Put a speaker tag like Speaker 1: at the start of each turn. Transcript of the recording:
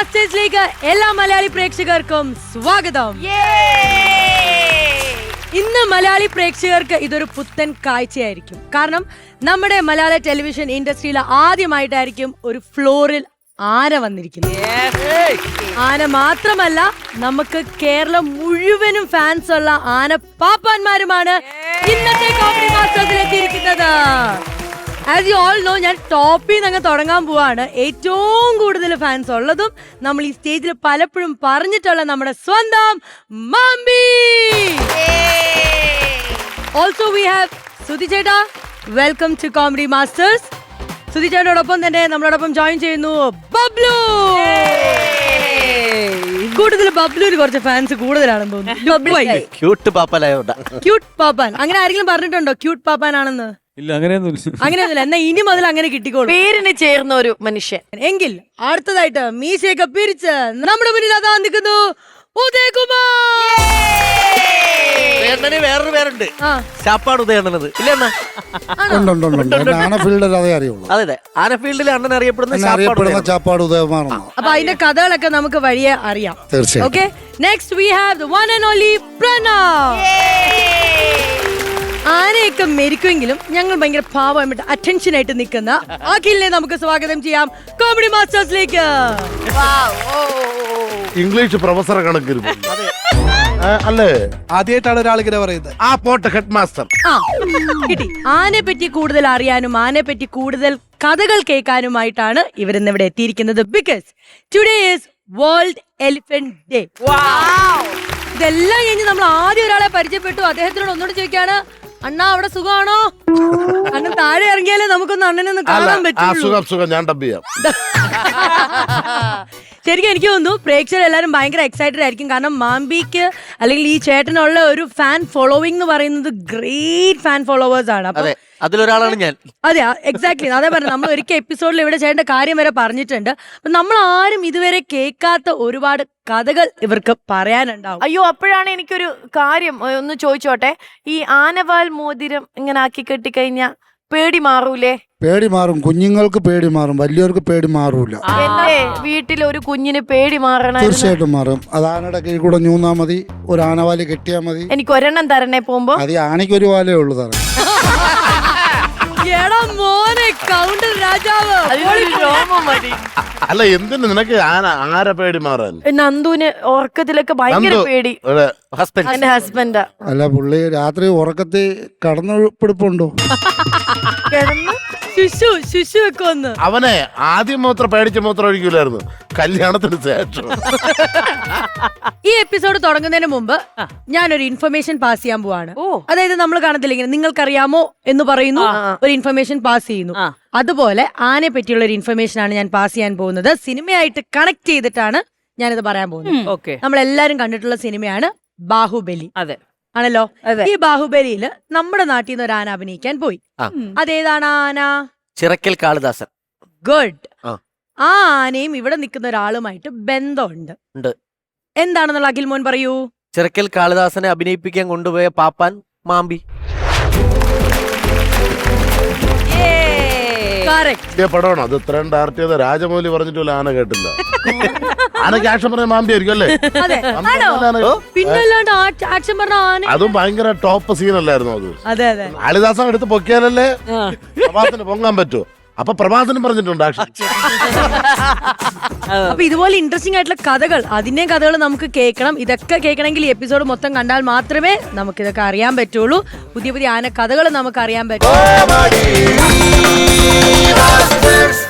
Speaker 1: മാസ്റ്റേഴ്സിലേക്ക് എല്ലാ മലയാളി പ്രേക്ഷകർക്കും സ്വാഗതം. ഇന്ന് മലയാളി പ്രേക്ഷകർക്ക് ഇതൊരു പുത്തൻ കാഴ്ചയായിരിക്കും. കാരണം നമ്മുടെ മലയാള ടെലിവിഷൻ ഇൻഡസ്ട്രിയിൽ ആദ്യമായിട്ടായിരിക്കും ഒരു ഫ്ലോറിൽ ആന വന്നിരിക്കുന്നത്. ആന മാത്രമല്ല, നമുക്ക് കേരളം മുഴുവനും ഫാൻസ് ഉള്ള ആന പാപ്പാന്മാരുമാണ് ഇന്നത്തെ കോമഡി മാസ്റ്റേഴ്സിലെത്തിയിരിക്കുന്നത്. ആസ് യു ഓൾ നോ, ഞാൻ ടോപ്പിൽ നിന്ന് അങ്ങ് തുടങ്ങാൻ പോവാണ്. ഏറ്റവും കൂടുതൽ ഫാൻസ് ഉള്ളതും നമ്മൾ ഈ സ്റ്റേജിൽ പലപ്പോഴും പറഞ്ഞിട്ടുള്ള നമ്മുടെ സ്വന്തം Mambi. Also we have Sudhi ചേട്ടാ, welcome to comedy masters. Sudhi ചേട്ടനോടൊപ്പം തന്നെ നമ്മളോടൊപ്പം ജോയിൻ ചെയ്യുന്നു ബബ്ലു. കൂടുതൽ ബബ്ലുവിന് കുറച്ച് ഫാൻസ് കൂടുതലാണെന്ന് തോന്നുന്നു.
Speaker 2: ക്യൂട്ട്
Speaker 1: പാപ്പാൻ അങ്ങനെ ആരെങ്കിലും പറഞ്ഞിട്ടുണ്ടോ ക്യൂട്ട് പാപ്പാൻ ആണെന്ന്?
Speaker 3: ഇല്ല,
Speaker 1: അങ്ങനെയൊന്നുമില്ല. എന്നാ ഇനി മുതൽ അങ്ങനെ കിട്ടിക്കോളൂ,
Speaker 4: പേരിന് ചേർന്ന ഒരു മനുഷ്യൻ.
Speaker 1: എങ്കിൽ അടുത്തതായിട്ട് മീശയൊക്കെ പിരിച്ച് നമ്മുടെ മുന്നിൽ അതാ നിൽക്കുന്നു ഉദയകുമാർ.
Speaker 2: വേറൊരു പേരുണ്ട്, ചാപ്പാട് ഉദയണ്ണനത് ഇല്ലെന്നാ. അതെ, ആനഫീൽഡിൽ അണ്ണൻ അറിയപ്പെടുന്ന
Speaker 5: ചാപ്പാട് ഉദയകുമാർ.
Speaker 1: അപ്പൊ അതിന്റെ കഥകളൊക്കെ നമുക്ക് വഴിയെ അറിയാം. Okay, next we have the one and only Pranav. ആനയൊക്കെ മെരിക്കുമെങ്കിലും ഞങ്ങൾ ഭയങ്കര പാവമായിട്ട് അറ്റൻഷൻ ആയിട്ട് നിൽക്കുന്ന അഖിലിനെ നമുക്ക് സ്വാഗതം ചെയ്യാം കോമഡി മാസ്റ്റേഴ്സിലേക്ക്.
Speaker 5: ഇംഗ്ലീഷ് പ്രൊഫസറെ കണക്കിരുന്നു അല്ലേ?
Speaker 3: ആദ്യമായിട്ടാണ് ഒരാൾ ഇങ്ങനെ പറയുന്നത്.
Speaker 5: ആ പോട്ടെ, ഹെഡ് മാസ്റ്റർ.
Speaker 1: കിട്ടി. ആനയെ പറ്റി കൂടുതൽ അറിയാനും ആനയെ പറ്റി കൂടുതൽ കഥകൾ കേൾക്കാനുമായിട്ടാണ് ഇവരിന്ന് ഇവിടെ എത്തിയിരിക്കുന്നത്. Because today is world elephant day. ഇതെല്ലാം കഴിഞ്ഞ് നമ്മൾ ആദ്യം ഒരാളെ പരിചയപ്പെട്ടു. അദ്ദേഹത്തിനോട് ഒന്നുകൂടി ചോദിക്കാണ്, അണ്ണാ അവിടെ സുഖമാണോ? അണ്ണൻ താഴെ ഇറങ്ങിയാലേ നമുക്കൊന്ന് അണ്ണനൊന്ന് കാണാൻ പറ്റും.
Speaker 5: ഞാൻ ഡബ് ചെയ്യാം.
Speaker 1: ശരിക്കും എനിക്ക് തോന്നുന്നു പ്രേക്ഷകർ എല്ലാവരും ഭയങ്കര എക്സൈറ്റഡ് ആയിരിക്കും. കാരണം മാമ്പിക്ക് അല്ലെങ്കിൽ ഈ ചേട്ടനുള്ള ഒരു ഫാൻ ഫോളോവിംഗ് എന്ന് പറയുന്നത് ഗ്രേറ്റ് ഫാൻ ഫോളോവേഴ്സ് ആണ്. അപ്പൊ
Speaker 2: അതിലൊരാളാണ് ഞാൻ.
Speaker 1: അതെ, എക്സാക്ട്ലി. അതേ പറഞ്ഞു, നമ്മൾ ഒരിക്കൽ എപ്പിസോഡിൽ ഇവിടെ ചേട്ടന്റെ കാര്യം വരെ പറഞ്ഞിട്ടുണ്ട്. അപ്പൊ നമ്മൾ ആരും ഇതുവരെ കേൾക്കാത്ത ഒരുപാട് കഥകൾ ഇവർക്ക് പറയാനുണ്ടാവും.
Speaker 4: അയ്യോ, അപ്പോഴാണ് എനിക്കൊരു കാര്യം ഒന്ന് ചോദിച്ചോട്ടെ. ഈ ആനവാൽ മോതിരം ഇങ്ങനെ ആക്കി കെട്ടിക്കഴിഞ്ഞാ പേടി മാറൂലേ?
Speaker 5: പേടി മാറും, കുഞ്ഞുങ്ങൾക്ക് പേടി മാറും, വലിയവർക്ക് പേടി മാറൂല.
Speaker 4: എന്റെ വീട്ടിൽ ഒരു കുഞ്ഞിന് പേടി മാറണം.
Speaker 5: തീർച്ചയായിട്ടും മാറും. അത് ആനയുടെ കീഴിൽ കൂടെ ഞൂന്നാ മതി, ഒരു ആനവാലി കെട്ടിയാ മതി.
Speaker 4: എനിക്ക് ഒരെണ്ണം തരണേ പോകുമ്പോ.
Speaker 5: അത് ആനയ്ക്ക് ഒരു വാലേ ഉള്ളു തരാം. അല്ല, എന്തിനു നിനക്ക് ആന പേടി മാറാൻ?
Speaker 4: നന്ദുവിന് ഉറക്കത്തിലൊക്കെ ഭയങ്കര പേടി. എന്റെ ഹസ്ബൻഡാ.
Speaker 5: അല്ല, പുള്ളി രാത്രി ഉറക്കത്തിൽ കടന്നുപിടിപ്പുണ്ടോ? അവനെ ആദ്യം മൂത്രം പേടിച്ച മൂത്രം ഒഴിക്കൂലായിരുന്നു, കല്യാണത്തിന് ശേഷം.
Speaker 1: ഈ എപ്പിസോഡ് തുടങ്ങുന്നതിന് മുമ്പ് ഞാനൊരു ഇൻഫർമേഷൻ പാസ് ചെയ്യാൻ പോവാണ്. അതായത് നമ്മൾ കാണത്തില്ല ഇങ്ങനെ നിങ്ങൾക്കറിയാമോ എന്ന് പറയുന്നു, ഒരു ഇൻഫർമേഷൻ പാസ് ചെയ്യുന്നു. അതുപോലെ ആനയെ പറ്റിയുള്ള ഒരു ഇൻഫർമേഷൻ ആണ് ഞാൻ പാസ് ചെയ്യാൻ പോകുന്നത്. സിനിമയായിട്ട് കണക്ട് ചെയ്തിട്ടാണ് ഞാനിത് പറയാൻ പോകുന്നത്. നമ്മൾ എല്ലാരും കണ്ടിട്ടുള്ള സിനിമയാണ് ബാഹുബലി.
Speaker 4: അതെ
Speaker 1: ആണല്ലോ. ഈ ബാഹുബലിയില് നമ്മുടെ നാട്ടിൽ നിന്ന് ഒരു ആന അഭിനയിക്കാൻ പോയി. അതേതാണ് ആന?
Speaker 2: ചിറക്കൽ കാളിദാസൻ.
Speaker 1: ഗുഡ്. ആ ആനയും ഇവിടെ നിൽക്കുന്ന ഒരാളുമായിട്ട് ബന്ധമുണ്ട്. എന്താണെന്നുള്ള അഖിൽ മോൻ പറയൂ.
Speaker 2: ചിറക്കൽ കാളിദാസനെ അഭിനയിപ്പിക്കാൻ കൊണ്ടുപോയ പാപ്പാൻ മാമ്പി.
Speaker 5: പടമാണോ അത്? ഇത്രയും ഡയറക്റ്റ് ചെയ്ത രാജമൗലി പറഞ്ഞിട്ടില്ല, ആന കേട്ടില്ല. ആനക്ക് ആക്ഷൻ പറഞ്ഞ മാമ്പി ആയിരിക്കും അല്ലേ?
Speaker 1: പിന്നല്ലാണ്ട് ആക്ഷൻ പറഞ്ഞ ആന.
Speaker 5: അതും ഭയങ്കര ടോപ്പ് സീൻ അല്ലായിരുന്നു അത്?
Speaker 1: അതെ അതെ.
Speaker 5: കാളിദാസൻ എടുത്ത് പൊക്കിയാലല്ലേ പ്രഭാതത്തിന് പൊങ്ങാൻ പറ്റൂ. അപ്പൊ പ്രഭാതനും പറഞ്ഞിട്ടുണ്ട് ആക്ഷൻ.
Speaker 1: അപ്പൊ ഇതുപോലെ ഇൻട്രസ്റ്റിംഗ് ആയിട്ടുള്ള കഥകൾ, അതിന്റെയും കഥകൾ നമുക്ക് കേൾക്കണം. ഇതൊക്കെ കേൾക്കണമെങ്കിൽ ഈ എപ്പിസോഡ് മൊത്തം കണ്ടാൽ മാത്രമേ നമുക്ക് ഇതൊക്കെ അറിയാൻ പറ്റുള്ളൂ. പുതിയ പുതിയ ആന കഥകൾ നമുക്ക് അറിയാൻ പറ്റും.